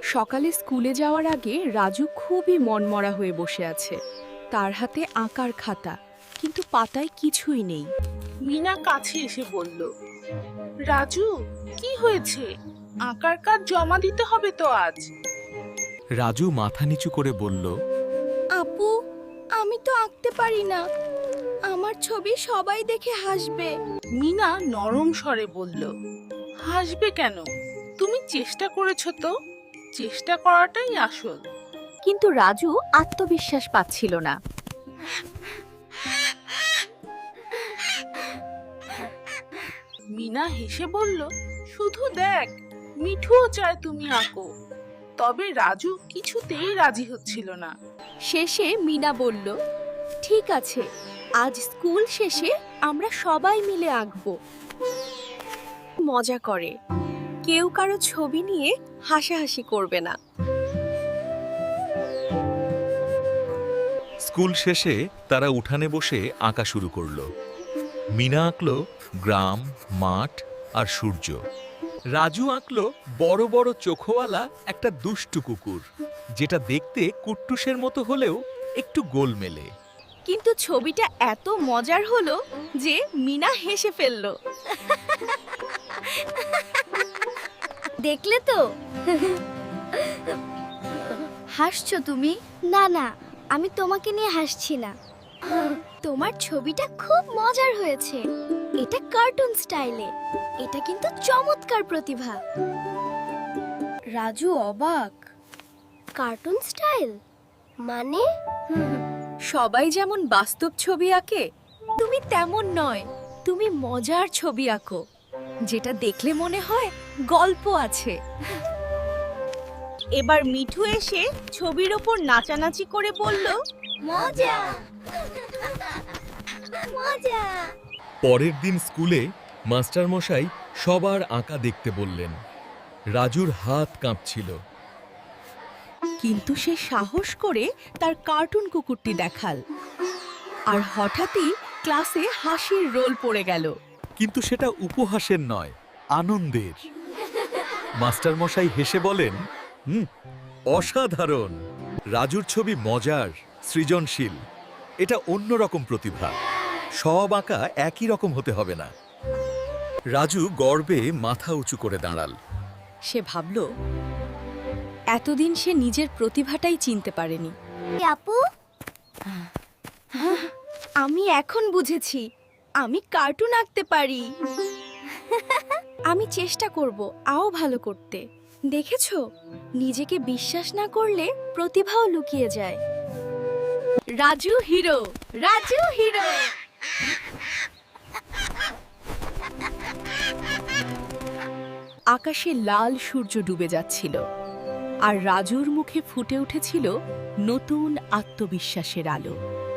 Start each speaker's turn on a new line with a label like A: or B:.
A: সকালে স্কুলে যাওয়ার আগে রাজু খুবই মনমরা হয়ে বসে আছে। তার হাতে আঁকার খাতা, কিন্তু পাতায় কিছুই নেই।
B: মিনা কাছে এসে বলল, রাজু, কি হয়েছে? আঁকার কাজ জমা দিতে হবে তো আজ।
C: রাজু মাথা নিচু করে বলল,
A: আপু, আমি তো আঁকতে পারি না। আমার ছবি সবাই দেখে হাসবে।
B: মিনা নরম স্বরে বলল, হাসবে কেন? তুমি চেষ্টা করেছো তো, চেষ্টা করাটাই আসল।
A: কিন্তু রাজু আত্মবিশ্বাস পাচ্ছিল না।
B: মিনা হেসে বলল, শুধু দেখ, মিঠুও চায় তুমি আঁকো। তবে রাজু কিছুতেই রাজি হচ্ছিল না।
A: শেষে মিনা বলল, ঠিক আছে, আজ স্কুল শেষে আমরা সবাই মিলে আঁকবো। মজা করে, কেউ কারো ছবি নিয়ে হাসাহাসি করবে না।
C: স্কুল শেষে তারা উঠানে বসে আঁকা শুরু করলো। মিনা আঁকলো গ্রাম, মাঠ আর সূর্য। রাজু আঁকলো বড় বড় চোখওয়ালা একটা দুষ্টু কুকুর, যেটা দেখতে কুট্টুসের মতো হলেও একটু গোলমেলে।
A: কিন্তু ছবিটা এত মজার হলো যে মিনা হেসে ফেলল।
D: দেখলে তো? হাসছো তুমি? না না, আমি তোমাকে নিয়ে হাসছি না। তোমার ছবিটা খুব মজার হয়েছে। এটা কার্টুন স্টাইলে। এটা কিন্তু চমৎকার প্রতিভা।
A: রাজু অবাক।
D: কার্টুন স্টাইল মানে?
A: সবাই যেমন বাস্তব ছবি আঁকে, তুমি তেমন নয়। তুমি মজার ছবি আঁকো, যেটা দেখলে মনে হয় গল্প আছে। এবার মিঠু এসে ছবির ওপর নাচানাচি করে বলল,
D: মজা মজা।
C: পরের দিন স্কুলে মাস্টারমশাই সবার আঁকা দেখতে বললেন। রাজুর হাত কাঁপছিল।
A: কিন্তু সে সাহস করে তার কার্টুন কুকুরটি দেখাল। আর হঠাৎই ক্লাসে হাসির রোল পড়ে গেল।
C: কিন্তু সেটা উপহাসের নয়, আনন্দের। মাস্টারমশাই হেসে বলেন, অসাধারণ। রাজুর ছবি মজার, সৃজনশীল। এটা অন্যরকম প্রতিভা। সব আঁকা একই রকম হতে হবে না। রাজু গর্বে মাথা উঁচু করে দাঁড়াল।
A: সে ভাবল, এতদিন সে নিজের প্রতিভাটাই চিনতে পারেনি।
D: আপু,
A: আমি এখন বুঝেছি, আমি কার্টুন আঁকতে পারি। আমি চেষ্টা করব আরও ভালো করতে। দেখেছো, নিজেকে বিশ্বাস না করলে প্রতিভাও লুকিয়ে যায়। Raju hero, Raju hero. আকাশে লাল সূর্য ডুবে যাচ্ছিল, আর রাজুর মুখে ফুটে উঠেছিল নতুন আত্মবিশ্বাসের আলো।